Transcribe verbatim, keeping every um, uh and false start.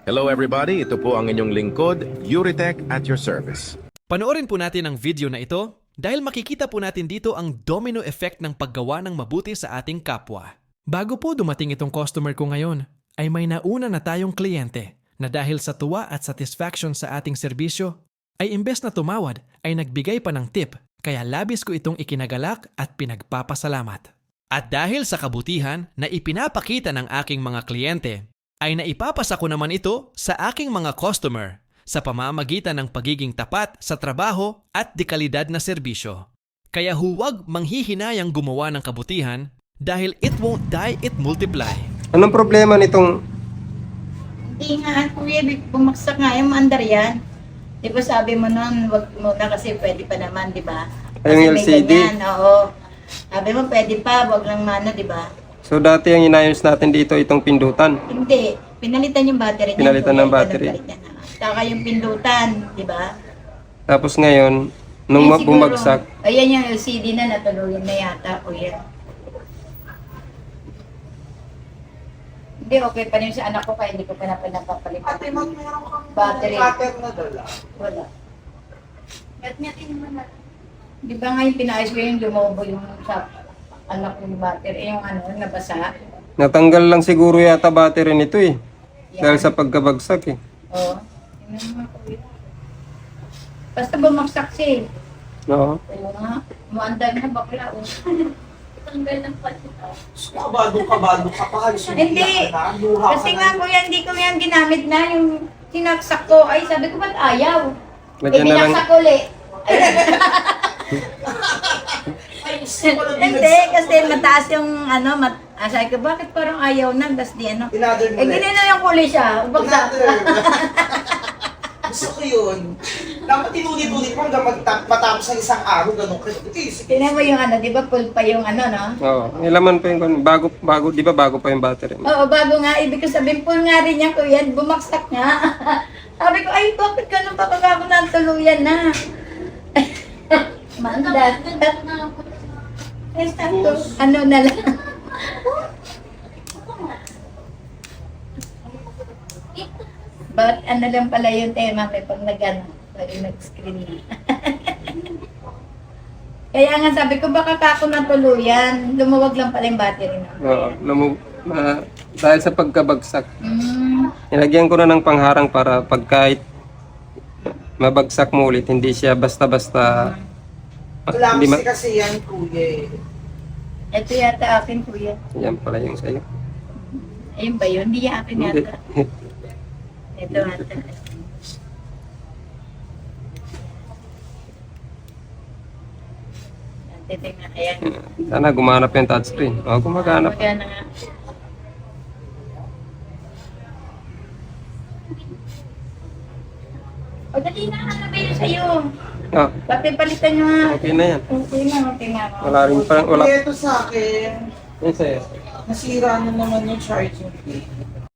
Hello everybody, ito po ang inyong lingkod, Yuritech at your service. Panoorin po natin ang video na ito dahil makikita po natin dito ang domino effect ng paggawa ng mabuti sa ating kapwa. Bago po dumating itong customer ko ngayon, ay may nauna na tayong kliyente na dahil sa tuwa at satisfaction sa ating serbisyo, ay imbes na tumawad ay nagbigay pa ng tip kaya labis ko itong ikinagalak at pinagpapasalamat. At dahil sa kabutihan na ipinapakita ng aking mga kliyente, ay naipapasa ko naman ito sa aking mga customer sa pamamagitan ng pagiging tapat sa trabaho at dekalidad na serbisyo. Kaya huwag manghihinayang gumawa ng kabutihan dahil it won't die, it multiply. Anong problema nitong... Hindi nga, kuya, bumagsak nga yung mandar yan. Di ba sabi mo nun, wag muna kasi pwede pa naman, di ba? Kasi Yung may L C D? ganyan, oo. Sabi mo pwede pa, wag lang mano, di ba? So dati ang inayos natin dito itong pindutan. Hindi, pinalitan yung battery niya. Pinalitan kuya, ng battery. ganun palit yan, ah. Saka yung pindutan, di ba? Tapos ngayon, nung Yan ma- siguro, bumagsak, Ayan yung L C D na natuluyan na yata, kuya. Hindi, okay pa rin sa anak ko kaya hindi ko pa na pinapapalitan. Ate, mag meron kang Battery. cutter na dala. Wala. Di ba ngayon pinayos ko yung lumobo yung sa anak ko yung battery, yung ano, nabasa. natanggal lang siguro yata battery nito eh. Yan. Dahil sa pagkabagsak eh. Oo. Tingnan mo nga, kuya. Basta bumagsak siya eh. Oo. Oo nga. Muandar na bakla. Oh. Tanggal ng palita. Kabado-kabado ka pa. halos Hindi. umiiyak ka na, luha ka Kasi na. nga kuya, hindi ko yan ginamit na yung sinaksak ko. Ay, sabi ko ba't ayaw? Eh, Lagyan na lang. binaksak ko ulit. Ay, Ay, gusto ko lang hindi, kasi mataas yung ano, mat ah, sabi ko, bakit parang ayaw na? Tapos di ano. Tinadal mo Eh, ulit. ganyan na yung kulay siya. Bagsak. Tinadal. Gusto ko yun. Dapat tinulit-ulit mo hanggang magta- matapos ang isang araw, ganun ka. Sige. Tingnan mo yung ano, di ba full pa yung ano, no? Oo. Ilaman pa yung bago, bago, di ba bago pa yung battery? Oo, bago nga, ibig ko sabihin, full nga rin yan, kuya, bumagsak nga. Sabi ko, ay, bakit ganun pa pag ako natuluyan na? Manda. Ay, sakto, ano na lang. But ano lang pala yung tema, may pag nag-ano, pag nag-screen na. Kaya nga sabi ko, baka kako natuluyan, lumuwag lang pala yung battery na. Oo. Lumu- ma- dahil sa pagkabagsak. Mm. Nilagyan ko na ng pangharang para pag kahit mabagsak mo ulit, hindi siya basta-basta... Wala hindi ma- kasi yan, kuya. eh. Ito yata akin, kuya. Yan pala yung sa'yo. Ayun ba yun? Hindi yung akin Hindi. yata. Ito ata. Titignan, ayan. Sana gumanap yung touchscreen. Oo, gumaganap. Magana nga. O, dali na, ano ba yun sa'yo? Ah, Papipalitan nyo nga. okay na yan. Okay na, okay na. Wala rin parang wala. Kuya, ito sa akin. Yan sa'yo. Nasira na naman yung charging plate.